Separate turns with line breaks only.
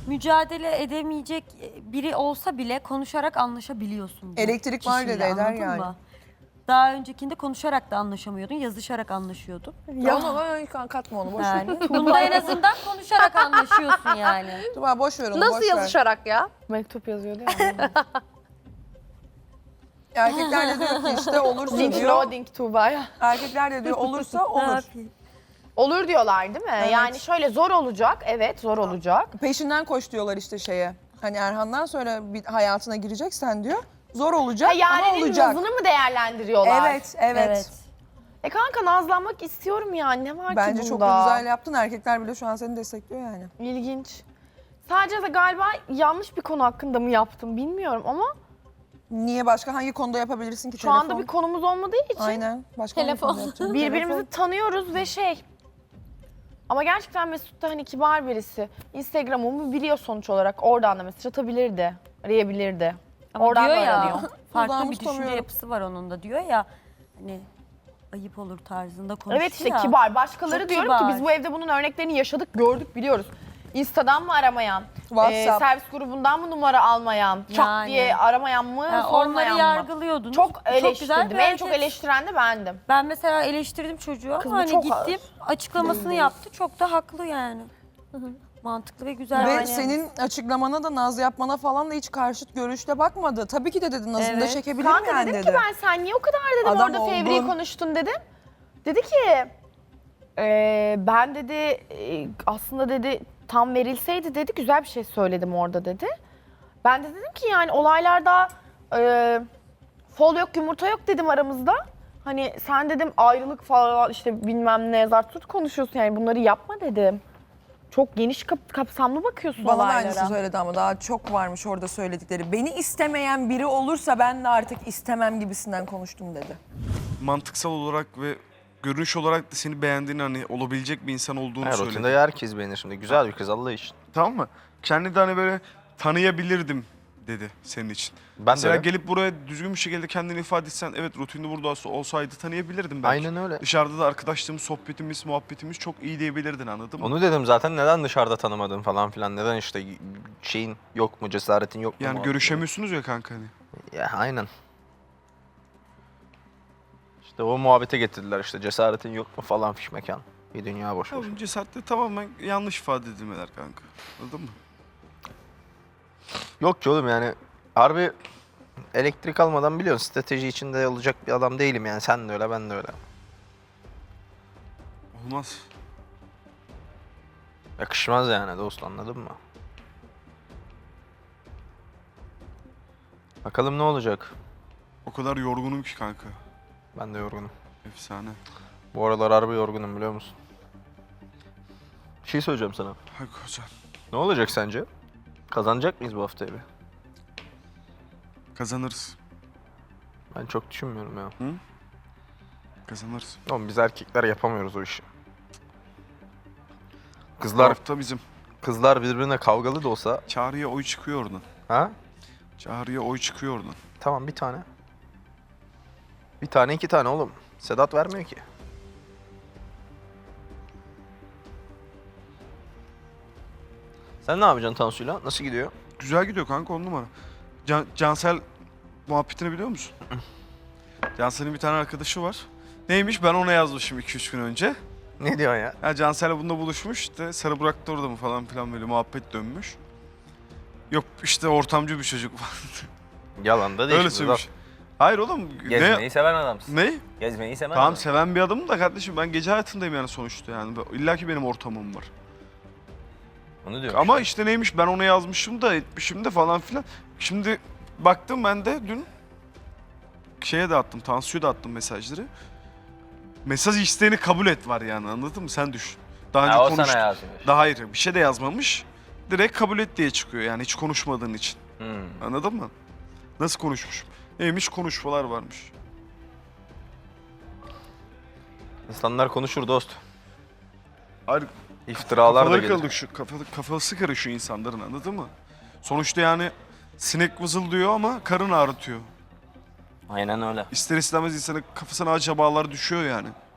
mücadele edemeyecek biri olsa bile konuşarak anlaşabiliyorsun. bu
Elektrik var
kişiyle,
dedi, eder
anladın
yani.
mı? Daha öncekinde konuşarak da anlaşamıyordun, yazışarak anlaşıyordun.
Ya ona katma onu boş ver.
Yani bunda en azından konuşarak anlaşıyorsun yani.
Tuba boş ver onu
Nasıl
boş ver.
yazışarak ya?
Mektup yazıyordu ya.
Erkekler de diyor ki işte olursa
Link
diyor.
loading Tuğba'ya.
Erkekler de diyor olursa
Ne
olur.
yapayım?
Olur diyorlar değil mi?
Evet.
Yani şöyle zor olacak. Evet zor olacak.
Peşinden koş diyorlar işte şeye. Hani Erhan'dan sonra bir hayatına gireceksen diyor. Zor olacak ama
Yaren'in
olacak.
nazını mı değerlendiriyorlar?
Evet.
Kanka nazlanmak istiyorum ya. Ne var
Bence
ki
çok
bunda?
da güzel yaptın. Erkekler bile şu an seni destekliyor yani.
İlginç. Sadece de galiba yanlış bir konu hakkında mı yaptım bilmiyorum ama
Niye başka hangi konuda yapabilirsin ki?
şu anda bir konumuz olmadığı için
Aynen. Başka hangi
Telefon.
konuda yapacaksın?
birbirimizi tanıyoruz ve ama gerçekten Mesut da hani kibar birisi. Instagram'ımı biliyor sonuç olarak. Oradan da mesaj atabilirdi, arayabilirdi.
Ama
Oradan
diyor
da
ya,
aranıyor.
farklı
Dudağımı
bir düşünce
tutamıyorum.
yapısı var onun da diyor ya. Hani ayıp olur tarzında konuşuyor
Evet işte
ya.
kibar. Başkaları
Çok
diyorum
kibar.
ki biz bu evde bunun örneklerini yaşadık, gördük, biliyoruz. Insta'dan mı aramayan,
WhatsApp.
servis grubundan mı numara almayan, çat
Yani.
diye aramayan mı,
Yani
sormayan
onları
mı?
yargılıyordunuz.
Çok
güzel
eleştirdim.
bir
En çok
hareket.
eleştiren de bendim.
Ben mesela eleştirdim çocuğu
Kız bu
ama hani
çok
gittim açıklamasını yaptı. Çok da haklı yani. Mantıklı ve güzel.
Ve
Yani.
senin açıklamana da naz yapmana falan da hiç karşıt görüşle bakmadı. Tabii ki de dedi nazını da
Evet.
çekebilirim
Kanka
yani
dedim
dedi.
ki ben sen niye o kadar dedim
Adam
orada fevri
oldun.
konuştun dedim. Dedi ki ben dedi aslında dedi tam verilseydi dedi güzel bir şey söyledim orada dedi. Ben de dedim ki yani olaylarda fol yok yumurta yok dedim aramızda. Hani sen dedim ayrılık falan işte bilmem ne zart tut konuşuyorsun yani bunları yapma dedim. Çok geniş kapsamlı bakıyorsun
Bana da
olaylara.
aynısını söyledi ama daha çok varmış orada söyledikleri. Beni istemeyen biri olursa ben de artık istemem gibisinden konuştum dedi.
Mantıksal olarak ve görünüş olarak da seni beğendiğini hani olabilecek bir insan olduğunu
Her
söyledi.
rutinde herkes beğenir şimdi. Güzel bir kız Allah için.
Tamam mı? Kendi de hani böyle tanıyabilirdim dedi senin için.
Ben
Mesela
de öyle.
gelip buraya düzgün bir şekilde kendini ifade etsen evet rutinde burada olsaydı tanıyabilirdim belki.
Aynen öyle.
Dışarıda da arkadaşlığımız, sohbetimiz, muhabbetimiz çok iyi diyebilirdin anladın mı?
Onu dedim zaten neden dışarıda tanımadın falan filan. Neden işte şeyin yok mu, cesaretin yok mu?
Yani
muhabbeti.
görüşemiyorsunuz ya kanka hani.
Ya aynen. İşte o muhabbete getirdiler işte cesaretin yok mu falan fiş mekan. Bir dünya boş boş.
Ya cesaretle tamamen yanlış ifade edilmeler kanka. Anladın mı?
Yok ki oğlum yani harbi elektrik almadan biliyorsun strateji içinde olacak bir adam değilim yani. Sen de öyle ben de öyle.
Olmaz.
Yakışmaz yani dost anladın mı? Bakalım ne olacak.
O kadar yorgunum ki kanka.
Ben de yorgunum.
Efsane.
Bu aralar harbi yorgunum biliyor musun? Bir şey söyleyeceğim sana.
Hay kocan.
Ne olacak sence? Kazanacak mıyız bu haftayı bir?
Kazanırız.
Ben çok düşünmüyorum ya.
Kazanırız.
Oğlum biz erkekler yapamıyoruz o işi.
Bu
Kızlar
hafta bizim.
kızlar birbirine kavgalı da olsa,
Çağrı'ya oy çıkıyor oradan.
ha?
Çağrı'ya oy çıkıyor oradan.
Tamam bir tane. Bir tane iki tane oğlum. Sedat vermiyor ki. Sen ne yapacaksın Tansu'yla? Nasıl gidiyor?
Güzel gidiyor kanka 10 numara. Cansel muhabbetini biliyor musun? Cansel'in bir tane arkadaşı var. Neymiş ben ona yazmışım 2-3 gün önce.
Ne diyorsun ya?
Ya Cansel'le bununla buluşmuş işte Sarı Burak da orada mı falan filan böyle muhabbet dönmüş. Yok işte ortamcı bir çocuk falan.
Yalan da değil.
Öyle söylemiş. Hayır oğlum
Gezmeyi seven adamsın.
ne?
Gezmeyi seven
Tamam
adam.
seven bir adamım da kardeşim ben gece hayatındayım yani sonuçta yani. İlla ki benim ortamım var.
Onu diyorum.
Ama işte neymiş ben ona yazmışım da etmişim de falan filan. Şimdi baktım ben de dün şeye de attım, Tansu'ya da attım mesajları. Mesaj isteğini kabul et var yani anladın mı? Sen düşün. Daha önce
Ha, o
konuştuk.
sana yazmış.
Daha hayır bir şey de yazmamış. Direkt kabul et diye çıkıyor yani hiç konuşmadığın için.
Hmm.
Anladın mı? Nasıl konuşmuşum? Neymiş konuşmalar varmış.
İnsanlar konuşur dost.
Hayır
İftiralar da
kafaları
gelir.
kırıldı şu kafası karışıyor insanların anladın mı? Sonuçta yani sinek vızıldıyor ama karın ağrıtıyor.
Aynen öyle.
İster istemez insanın kafasına acabalar düşüyor yani.